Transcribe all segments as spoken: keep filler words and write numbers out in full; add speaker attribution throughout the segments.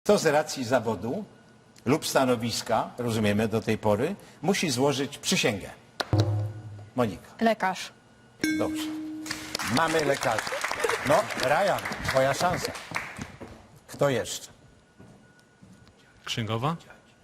Speaker 1: Kto z racji zawodu lub stanowiska, rozumiemy do tej pory, musi złożyć przysięgę? Monika.
Speaker 2: Lekarz.
Speaker 1: Dobrze. Mamy lekarzy. No, Ryan, twoja szansa. Kto jeszcze?
Speaker 3: Księgowa?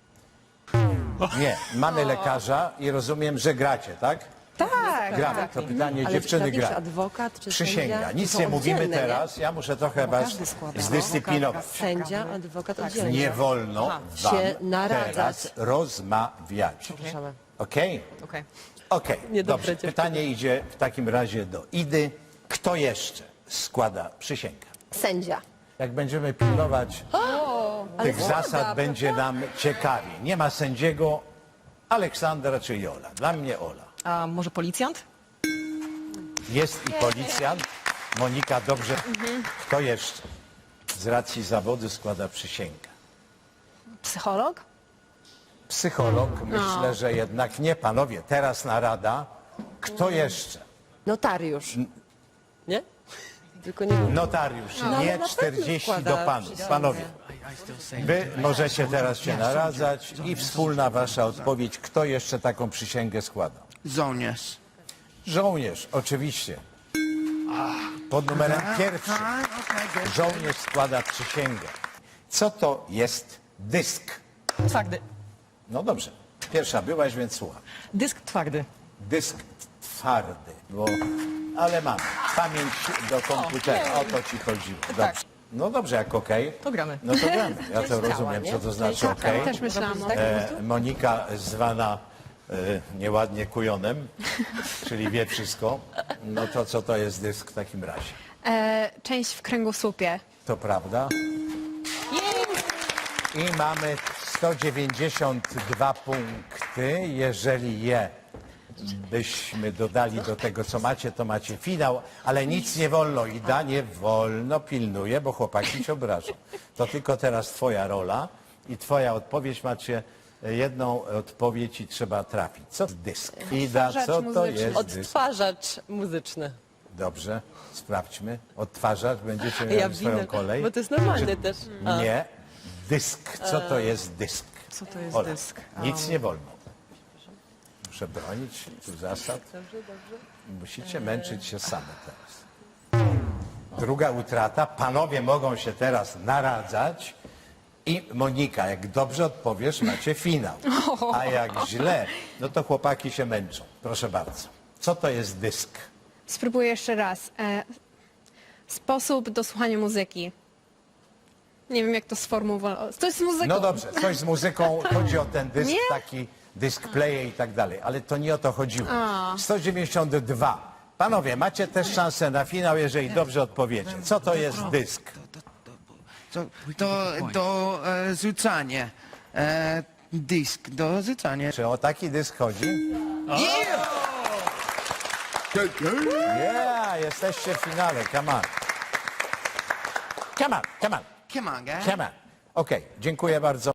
Speaker 1: Nie, mamy lekarza i rozumiem, że gracie, tak?
Speaker 2: Tak.
Speaker 1: Gramy. To pytanie
Speaker 4: Ale
Speaker 1: dziewczyny
Speaker 4: czy
Speaker 1: gra.
Speaker 4: adwokat, czy
Speaker 1: Przysięga.
Speaker 4: sędzia?
Speaker 1: Nic
Speaker 4: To
Speaker 1: nie
Speaker 4: są
Speaker 1: mówimy
Speaker 4: oddzielne,
Speaker 1: teraz. Ja muszę trochę was
Speaker 4: każdy składa.
Speaker 1: zdyscyplinować.
Speaker 4: Sędzia, adwokat oddzielnie.
Speaker 1: Nie wolno wam
Speaker 4: Się naradzać.
Speaker 1: teraz rozmawiać.
Speaker 4: Przepraszamy.
Speaker 1: Okej?
Speaker 4: Okej.
Speaker 1: Okej,
Speaker 4: Niedobre
Speaker 1: dobrze.
Speaker 4: dziewczyny.
Speaker 1: Pytanie idzie w takim razie do Idy. Kto jeszcze składa przysięgę?
Speaker 4: Sędzia.
Speaker 1: Jak będziemy pilnować tych zasad, będzie nam ciekawie. Nie ma sędziego, Aleksandra czy Jola. Dla mnie Ola.
Speaker 2: A może policjant?
Speaker 1: Jest i policjant. Monika, dobrze. Kto jeszcze z racji zawodu składa przysięgę?
Speaker 2: Psycholog?
Speaker 1: Psycholog, myślę, że jednak nie. Panowie, teraz narada. Kto jeszcze?
Speaker 4: Notariusz. Nie? Tylko nie wiem.
Speaker 1: Notariusz,
Speaker 4: No, ale
Speaker 1: nie
Speaker 4: na pewno
Speaker 1: czterdzieści do
Speaker 4: składa
Speaker 1: panów.
Speaker 4: przysięgę.
Speaker 1: Panowie, wy możecie teraz się naradzać i wspólna wasza odpowiedź. Kto jeszcze taką przysięgę składa?
Speaker 5: Żołnierz.
Speaker 1: Żołnierz, oczywiście. Pod numerem pierwszym. Żołnierz składa przysięgę. Co to jest dysk?
Speaker 2: Twardy.
Speaker 1: No dobrze. Pierwsza byłaś, więc słucham.
Speaker 2: Dysk twardy.
Speaker 1: Dysk twardy, bo... ale mam. Pamięć do komputera. O to ci chodziło. Dobrze. No dobrze, jak okej.
Speaker 2: To gramy.
Speaker 1: No to gramy. Ja to
Speaker 4: ciała,
Speaker 1: rozumiem,
Speaker 4: nie?
Speaker 1: co to
Speaker 4: To
Speaker 1: znaczy
Speaker 4: jest ciała.
Speaker 1: okej.
Speaker 2: Też myślałam. o-
Speaker 1: E, Monika zwana e, nieładnie kujonem, czyli wie wszystko. No to co to jest dysk w takim razie?
Speaker 2: E, część w kręgosłupie.
Speaker 1: To prawda? I mamy sto dziewięćdziesiąt dwa punkty. Jeżeli je byśmy dodali do tego, co macie, to macie finał, ale nic nie wolno. Ida, nie wolno, pilnuje, bo chłopaki się obrażą. To tylko teraz twoja rola i twoja odpowiedź. Macie jedną odpowiedź i trzeba trafić. Co to dysk? Ida, co to
Speaker 2: muzyczny.
Speaker 1: jest dysk?
Speaker 4: Odtwarzacz muzyczny.
Speaker 1: Dobrze, sprawdźmy. Odtwarzacz, będziecie mieli
Speaker 4: Ja
Speaker 1: swoją
Speaker 4: winę,
Speaker 1: kolej.
Speaker 4: bo to jest normalne też. A.
Speaker 1: Nie. Dysk. Co to jest dysk?
Speaker 2: Co to jest
Speaker 1: Ola,
Speaker 2: dysk?
Speaker 1: nic nie wolno. Muszę bronić tu zasad. Musicie męczyć się same teraz. Druga utrata. Panowie mogą się teraz naradzać. I Monika, jak dobrze odpowiesz, macie finał. A jak źle, no to chłopaki się męczą. Proszę bardzo. Co to jest dysk?
Speaker 2: Spróbuję jeszcze raz. E, sposób do słuchania muzyki. Nie wiem, jak to sformułować. To jest muzyka.
Speaker 1: No dobrze, coś z muzyką, chodzi o ten dysk,
Speaker 2: Nie?
Speaker 1: taki dysk player i tak dalej, ale to nie o to chodziło. sto dziewięćdziesiąt dwa. Panowie, macie też szansę na finał, jeżeli dobrze odpowiecie. Co to jest dysk?
Speaker 5: To, to do e, rzucania. E, dysk do rzucania.
Speaker 1: Czy o taki dysk chodzi? Yeah, jesteście w finale, come on. Come on, come on,
Speaker 5: Come on, guys.
Speaker 1: come on. Okej, dziękuję bardzo.